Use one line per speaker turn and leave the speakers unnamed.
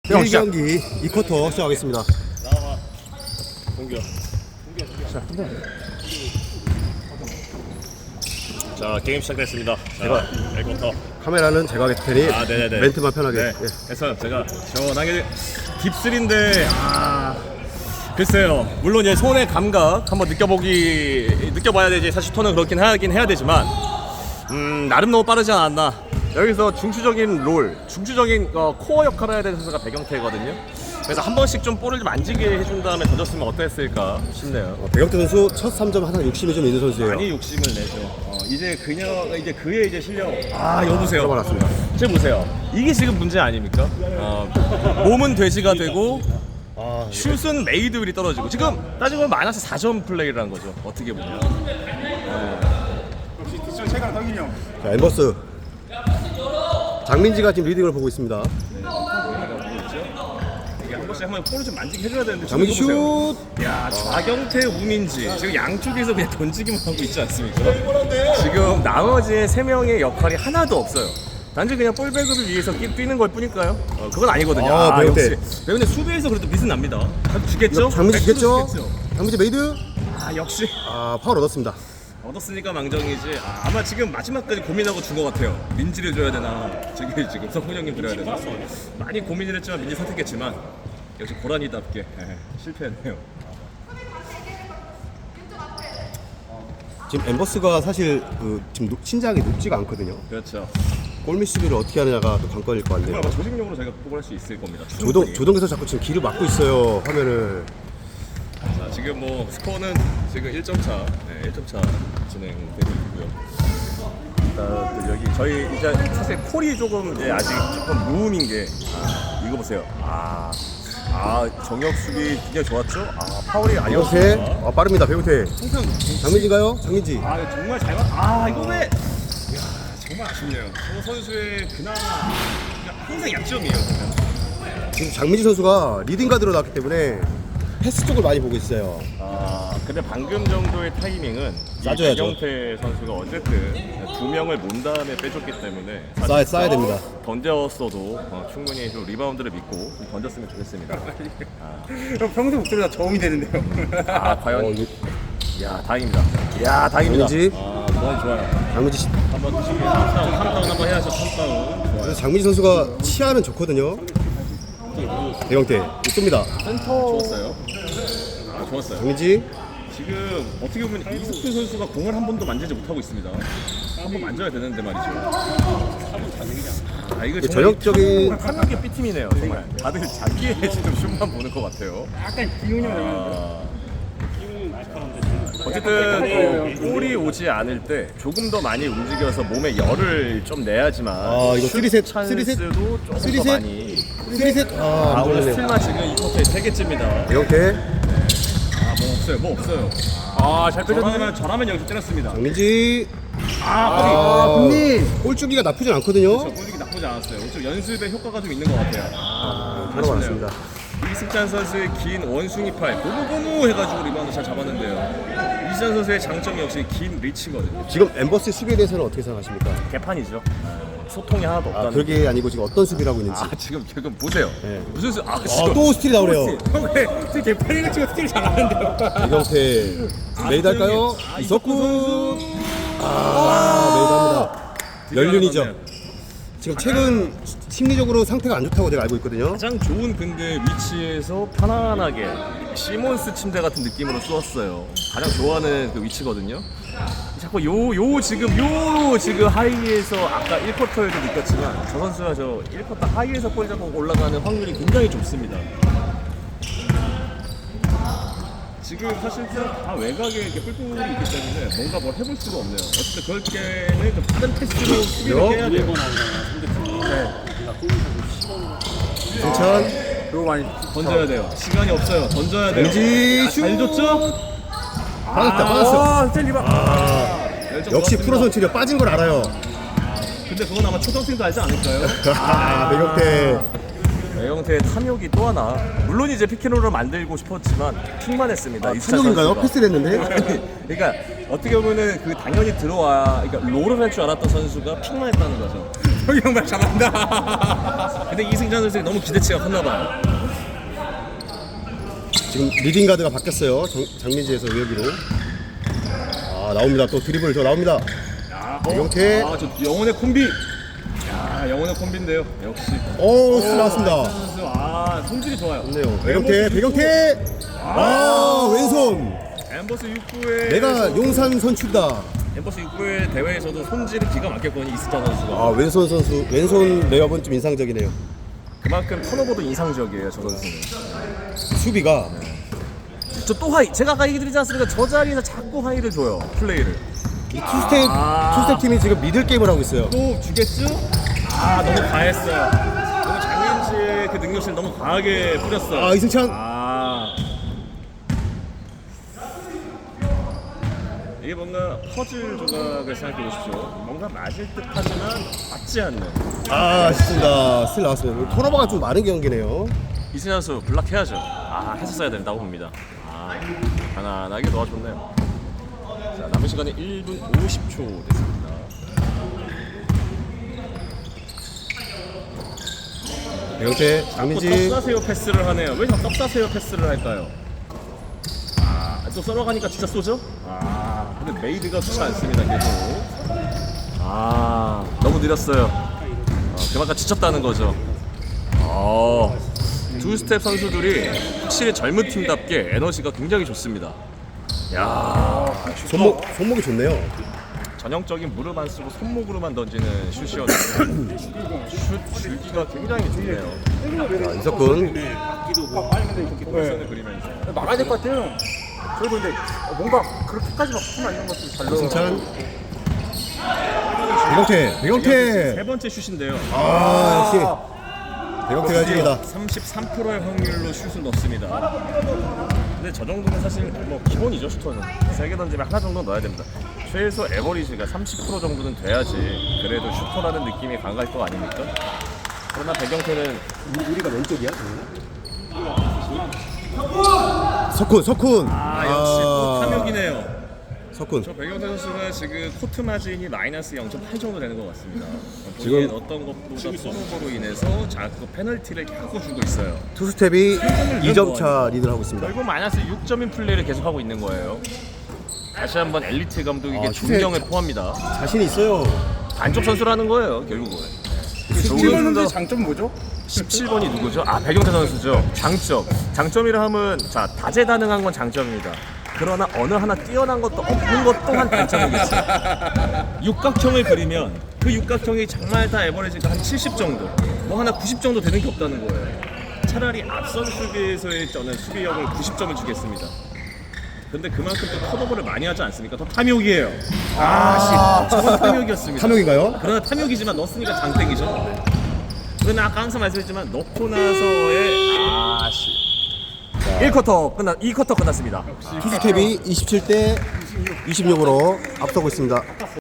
1경기 2쿼터 시작하겠습니다.
나와봐. 공격. 자, 게임 시작됐습니다. 자, 1쿼터.
카메라는 제가 하겠을 테니
네네네.
멘트만 편하게.
네.
예.
그래서 제가 시원하게 딥3인데 글쎄요. 물론 이제 손의 감각 한번 느껴봐야 되지. 사실 톤은 그렇긴 하긴 해야 되지만 나름 너무 빠르지 않았나. 여기서 중추적인 코어 역할을 해야 되는 선수가 배경태거든요. 그래서 한 번씩 좀 볼을 좀 만지게 해준 다음에 던졌으면 어땠을까 싶네요.
배경태 선수 첫 3점 항상 욕심이 좀 있는 선수예요.
많이 욕심을 내죠. 이제 그의 이제 실력. 여보세요.
들어봤습니다.
지금 보세요. 이게 지금 문제 아닙니까? 몸은 돼지가 되고 슛은 메이드 윌이 떨어지고 지금 따지고 보면 마이너스 4점 플레이를 한 거죠. 어떻게 보면.
역시 뒷선 최강 성인이 형.
자, 엠버스. 장민지가 지금 리딩을 보고 있습니다.
이게 한 번씩 한번 볼을 좀 만지게 해줘야 되는데.
장민지
지금 이거
슛.
보세요. 야, 좌경태, 우민지 지금 양쪽에서 그냥 던지기만 하고 있지 않습니까? 지금 나머지 3명의 역할이 하나도 없어요. 단지 그냥 볼 배급을 위해서 뛰는 걸 뿐일까요? 그건 아니거든요.
배우태.
역시 배우태 수비에서 그래도 미스는 납니다. 주겠죠?
장민지 주겠죠?
주겠죠?
장민지 메이드.
역시
파울 얻었습니다.
얻었으니까 망정이지. 아마 지금 마지막까지 고민하고 준 것 같아요. 민지를 줘야 되나, 지금 성훈 형님 드려야 되나. 많이 고민을 했지만 민지 선택했지만 역시 고라니답게 실패했네요.
지금 엠버스가 사실 지금 신장이 높지가 않거든요.
그렇죠.
골밑 수비를 어떻게 하느냐가 또 관건일 것 같네요.
아마 조직력으로 저희가 극복할 수 있을 겁니다. 충분히.
조동에서 자꾸 지금 길을 막고 있어요. 화면을.
자, 지금 뭐 스코어는 지금 1점 차, 1점 차 진행되고 있고요. 일단 여기 저희 이제 사실 콜이 조금 이제 아직 조금 무음인 게 이거 보세요. 정혁 수비 굉장히 좋았죠? 파울이
배우태.
아니었습니다.
빠릅니다. 배우태.
항상
장민지인가요? 장민지.
정말 잘 봤. 이거 왜? 정말 아쉽네요. 저 선수의 그나마 항상 약점이에요.
지금 장민지 선수가 리딩 가드로 나왔기 때문에 패스 쪽을 많이 보고 있어요.
근데 방금 정도의 타이밍은
싸줘야죠.
이경태 선수가 어쨌든 2명을 몬 다음에 빼줬기 때문에
싸야 됩니다.
던졌어도 충분히 좀 리바운드를 믿고 좀 던졌으면 좋겠습니다.
형 평소 목소리가 저음이 되는데요.
과연 다행입니다. 다행입니다.
장민지.
너무 좋아요.
장민지.
한번 3다운 한번 해야죠. 3다운. 좋아요.
장민지 선수가 치아는 좋거든요. 배경태 쏩니다.
좋았어요. 좋았어요.
장민지.
지금 어떻게 보면 이석훈 선수가 공을 한 번도 만지지 못하고 있습니다. 한 번 만져야 되는데 말이죠. 이거 정말
전형적인
탐욕의 B팀이네요. 정말 다들 자기의 지금 슛만 보는 것 같아요.
약간 기운이 형.
어쨌든 볼이 오지 않을 때 조금 더 많이 움직여서 몸에 열을 좀 내야지만
이거
슛
3셋,
찬스도 조금 더
3셋?
많이.
3셋. 안
오늘
걸리네.
스틸만 지금 이 쿼터에 3개째입니다.
배경태.
뭐 없어요. 잘 빼줬네. 잘하면 여기서 때렸습니다.
장민지.
형님.
골주기가 나쁘진 않거든요.
골킥이 나쁘지 않았어요. 좀 연습의 효과가 좀 있는 것 같아요.
들어봤습니다.
이승찬 선수의 긴 원숭이 팔 고무고무 해가지고 리바운드 잘 잡았는데요. 이승찬 선수의 장점이 역시 긴 리치거든요.
지금 엠버스 수비에 대해서는 어떻게 생각하십니까?
개판이죠. 소통이 하나도 없다는.
그게 아니고 지금 어떤 수비를 하고 있는지.
지금 보세요.
네.
무슨 수?
또 스틸이 나오네요.
형왜 개판이가 치고 스틸 잘하는데요.
배경태. 메이드 할까요? 이석훈. 메이드 합니다. 연륜이죠. 지금 최근 심리적으로 상태가 안 좋다고 제가 알고 있거든요.
가장 좋은 근데 위치에서 편안하게 시몬스 침대 같은 느낌으로 쏘았어요. 가장 좋아하는 그 위치거든요. 자꾸 지금 하이에서 아까 1쿼터에도 느꼈지만 저 선수가 저 1쿼터 하이에서 볼 잡고 올라가는 확률이 굉장히 좁습니다. 지금 사실상 다 외곽에 이렇게 뿔뿔이 있기 때문에 뭔가 뭘 해볼 수가 없네요. 어쨌든 그럴 때는 좀 다른 패스로 수비를 해야 돼요.
승찬.
그거 많이
던져야 돼요. 시간이 없어요. 던져야 돼요.
민지 슛.
잘 줬죠?
빠졌어.
열정
역시
좋았습니다.
프로 선출이 빠진 걸 알아요.
근데 그건 아마 초등생도 알지 않을까요?
배경태.
배영태의 탐욕이 또 하나. 물론 이제 피켄롤을 만들고 싶었지만 픽만 했습니다. 이승찬
탐욕인가요?
선수가.
패스를 했는데.
그러니까 어떻게 보면은 그 당연히 들어와. 그러니까 롤을 할 줄 알았던 선수가 픽만 했다는 거죠.
형이 형 말 잘한다.
근데 이승찬 선수가 너무 기대치가 컸나 봐요.
지금 리딩 가드가 바뀌었어요. 장민지에서 외기로. 아 나옵니다. 또 드리블 저 나옵니다. 배경태.
아, 저 영혼의 콤비. 야, 영혼의 콤비인데요. 역시.
오 스 나왔습니다.
선수, 아, 손질이 좋아요.
좋네요. 배경태. 아 왼손.
엠버스 6구의
내가 용산 선출다.
엠버스 6구의 대회에서도 손질이 기가 막혔거든요. 이승찬 선수가.
아 왼손 선수 왼손 레이업은 좀 인상적이네요.
그만큼 턴오버도 인상적이에요. 저 선수는.
수비가
저 또 하이. 제가 아까 얘기 드리지 않습니까? 저 자리에서 자꾸 하이를 줘요. 플레이를.
이 투스텝 팀이 지금 미들 게임을 하고 있어요.
또 주겠죠? 아, 너무 과했어요. 너무 장민지의 그 능력치를 너무 과하게 뿌렸어요.
아 이승찬.
아, 이게 뭔가 퍼즐 조각을 생각해 보십시오. 뭔가 맞을 듯하지만 맞지 않는.
아 아쉽습니다. 스틸 나왔습니다. 턴오버가 좀 많은 경기네요.
이승찬 선수 블락해야죠. 아, 했었어야 된다고 봅니다. 아, 편안하게 도와줬네요. 자, 남은 시간이 1분 50초 됐습니다.
배경태
자꾸
장민지.
떡사세요 패스를 하네요. 왜 자꾸 떡사세요 패스를 할까요? 아, 또 썰어가니까 진짜 쏘죠? 아, 근데 메이드가 좋지 않습니다. 계속. 아, 너무 느렸어요. 그만큼 지쳤다는 거죠. 두 스텝 선수들이 확실히 젊은 팀답게 에너지가 굉장히 좋습니다. 야,
손목이 좋네요.
전형적인 무릎 안 쓰고 손목으로만 던지는 슛이었는데 슛 줄기가 굉장히 좋네요.
자, 이석근.
포지션을 그리면서
막아야 될 것 같아요. 저희도 근데 뭔가 그렇게까지 막 하면 이런 것도 잘 넣어.
이승찬. 배경태.
세 번째 슛인데요.
아 역시 배경태가 해줍니다.
33%의 확률로 슛을 넣습니다. 근데 저 정도는 사실 뭐 기본이죠. 슈터는 3개 던지면 하나 정도 넣어야 됩니다. 최소 에버리지가 30% 정도는 돼야지 그래도 슈터라는 느낌이 강할 거 아닙니까? 그러나 배경태는
우리가 왼쪽이야? 석훈.
아, 역시 또 탐욕이네요.
석훈.
저 배경태 선수가 지금 코트 마진이 마이너스 0.8 정도 되는 것 같습니다.
지금
지금 어떤 것보다 턴오버로 인해서 자꾸 페널티를 자꾸 주고 있어요.
투스텝이 2점 차 리드를 하고 있습니다.
결국 마이너스 6점인 플레이를 계속하고 있는 거예요. 다시 한번 엘리트 감독에게
아,
존경을 포함니다.
자신이 있어요.
반쪽 선수라는 거예요, 결국은.
17번 선수의 장점 뭐죠?
17번이 누구죠? 아, 백영태 선수죠. 장점이라 하면 자, 다재다능한 건 장점입니다. 그러나 어느 하나 뛰어난 것도 없는 것 또한 단점이겠죠. 육각형을 그리면 그 육각형이 정말 다 에버리지가 한 70 정도, 뭐 하나 90 정도 되는 게 없다는 거예요. 차라리 앞선 수비에서의 저는 수비력을 90점을 주겠습니다. 근데 그만큼 또 턴오버를 많이 하지 않습니까? 더 탐욕이에요. 저건 탐욕이었습니다.
탐욕인가요?
그러나 탐욕이지만 넣었으니까 장땡이죠. 그러나 아까 항상 말씀드렸지만 넣고 나서의 2쿼터 끝났습니다.
투스텝이 27대 26으로 앞서고 있습니다.